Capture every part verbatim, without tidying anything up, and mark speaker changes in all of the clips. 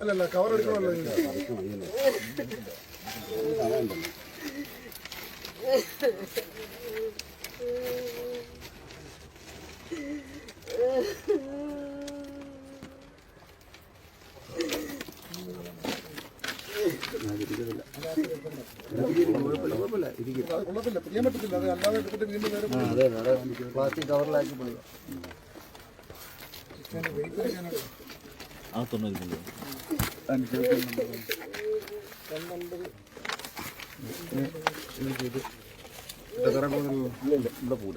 Speaker 1: അല്ലല്ല കവർ എടുക്കണമല്ലോ. കുഴപ്പമില്ല, പിരിയാൻ പറ്റത്തില്ല. അത് അല്ലാതെ എടുത്തിട്ട് വീണ്ടും പ്ലാസ്റ്റിക് കവറിലാക്കി പോയി.
Speaker 2: ആ തൊണ്ണൂറ് കിലോ ഇവിടെ പോല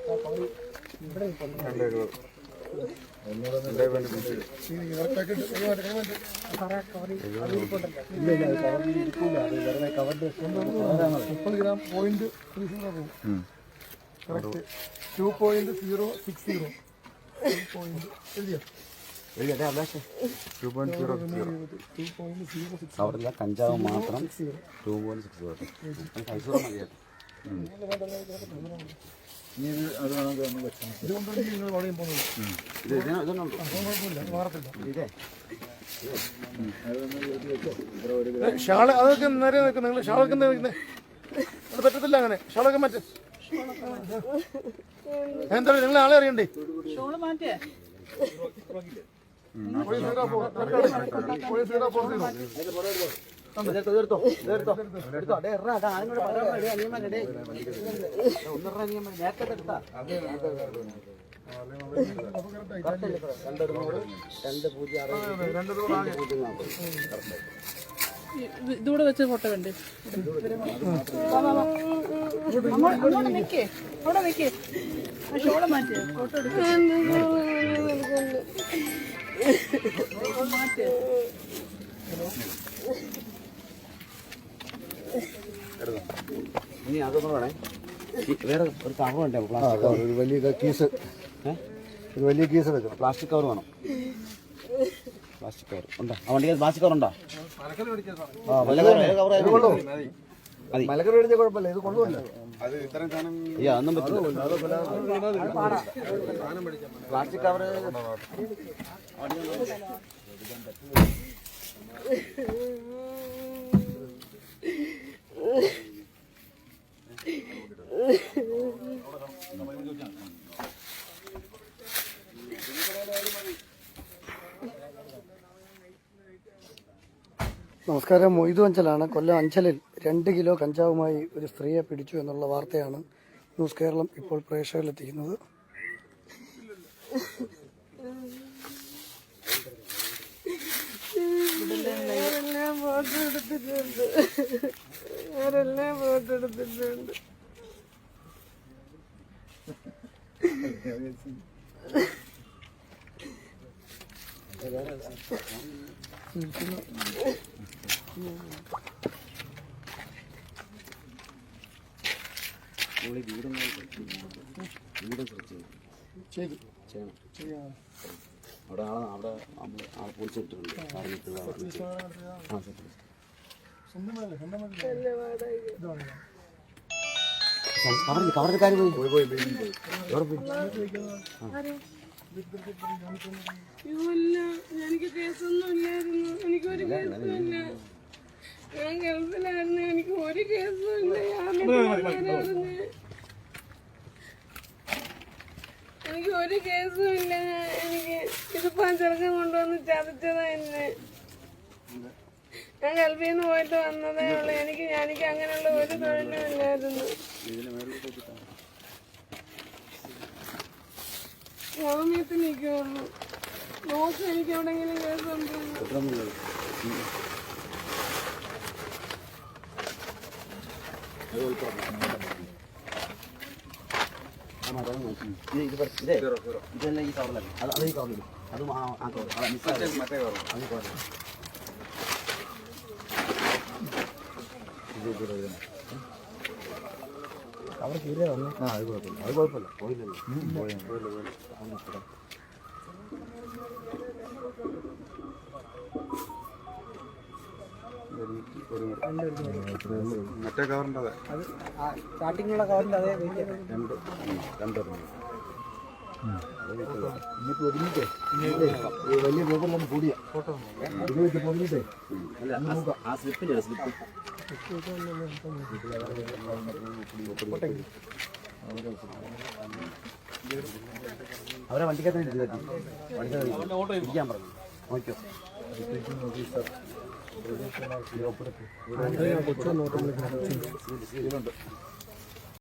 Speaker 1: മുപ്പത് ഗ്രാം പോയിന്റ് ത്രീ സീറോ പോകും. Correct two point zero six zero point എഴുതിയോ?
Speaker 2: അവിടെ കഞ്ചാവ് മാത്രം two point six zero Mysore മതിയായിട്ട്.
Speaker 1: ഷാള് അതൊക്കെ നേരെ നിൽക്കും. നിങ്ങൾ ഷാളൊക്കെ എന്താ വെക്കുന്നത്? അത് പറ്റത്തില്ല അങ്ങനെ. ഷാളൊക്കെ മാറ്റേ. എന്താ നിങ്ങൾ ആളെ അറിയണ്ടേ?
Speaker 3: ഇതൂടെ വെച്ച് ഫോട്ടോ വേണ്ടേ? അവിടെ നിൽക്കേ, അവിടെ നിൽക്കേ. ഷോള് മാറ്റിയ ഫോട്ടോ എടുക്കാൻ മാറ്റിയ
Speaker 2: ഇനി അതൊന്നും വേണേ. വേറെ ഒരു കവർ വേണ്ടേ?
Speaker 1: ഒരു വലിയ കീസ്, ഒരു വലിയ കീസ് എടുക്കണം.
Speaker 2: പ്ലാസ്റ്റിക് കവർ വേണം. പ്ലാസ്റ്റിക് കവർ ഉണ്ടോ? ആ വണ്ടിക്ക് പ്ലാസ്റ്റിക് കവർ ഉണ്ടോ?
Speaker 1: മലക്കറി മേടിച്ച കുഴപ്പമില്ല, ഇത് കൊള്ളുമല്ലോ.
Speaker 2: അയ്യോ അതൊന്നും പറ്റില്ല.
Speaker 1: പ്ലാസ്റ്റിക് കവർ നമസ്കാരം. മൊയ്തു അഞ്ചലാണ്. കൊല്ലം അഞ്ചലിൽ രണ്ട് കിലോ കഞ്ചാവുമായി ഒരു സ്ത്രീയെ പിടിച്ചു എന്നുള്ള വാർത്തയാണ് ന്യൂസ് കേരളം ഇപ്പോൾ പ്രേക്ഷകരിലെത്തിക്കുന്നത്.
Speaker 4: ആരെല്ലാം ഫോട്ടോ എടുത്തിട്ടുണ്ട്, ആരെല്ലാം ഫോട്ടോ എടുത്തിട്ടുണ്ട്.
Speaker 2: അവിടെ ആളെ അവിടെ ആളെ പോലീസ് ഇട്ടിട്ടുണ്ട്. കവറിന്റെ കാര്യം പോയി പോയി എവിടെ പോയി?
Speaker 4: എനിക്ക് കേസൊന്നും ഇല്ലായിരുന്നു, എനിക്കൊരു കേസും ഇല്ല. ഞാൻ ഗൾഫിലായിരുന്നു, എനിക്ക് ഒരു കേസും ഇല്ല. എനിക്ക് ഒരു കേസും ഇല്ല. എനിക്ക് ഇതിപ്പോ ചെറുക്കം കൊണ്ടുവന്ന് ചതച്ചതാ എന്നെ. ഞാൻ ഗൾഫിൽ നിന്ന് പോയിട്ട് വന്നതേ ഉള്ളൂ. എനിക്ക് എനിക്ക് അങ്ങനെയുള്ള ഒരു തൊഴിലും ഇല്ലായിരുന്നു. ജാമ്യത്തിൽ നിൽക്കുള്ളൂ. നോക്ക് എനിക്ക് എവിടെയെങ്കിലും കേസുണ്ടോ?
Speaker 2: ഇതല്ല ഈ കവറിലല്ല, അത് അത് ഈ കവറിൽ അതും ആ കവർ മിസ്സായി മറ്റേ കവർ അത് കവർ.
Speaker 1: അവർ തീരെ വന്നു.
Speaker 2: ആ അത് കുഴപ്പമില്ല, അത് കുഴപ്പമില്ല. പോയില്ലല്ലോ പോയില്ല.
Speaker 5: മറ്റേ കവറിൻ്റെ
Speaker 1: അത് സ്റ്റാർട്ടിങ്ങുള്ള കവറിൻ്റെ അതേ
Speaker 2: രണ്ട് രണ്ടെണ്ണം ഇനിയിപ്പോൾ ഒതുങ്ങിട്ടേ ഈ വലിയ പേപ്പറിലൊന്ന് കൂടിയ ഇത് വെച്ച് പൊതിഞ്ഞിട്ടേ അല്ല ആ സ്ലിപ്പില്ലേ സ്ലിപ്പ് അവരെ വണ്ടിക്കകത്ത് വണ്ടിക്കകത്ത് ഇരിക്കാൻ പറഞ്ഞു നോക്കിയോ
Speaker 1: കൊച്ചു നോട്ടം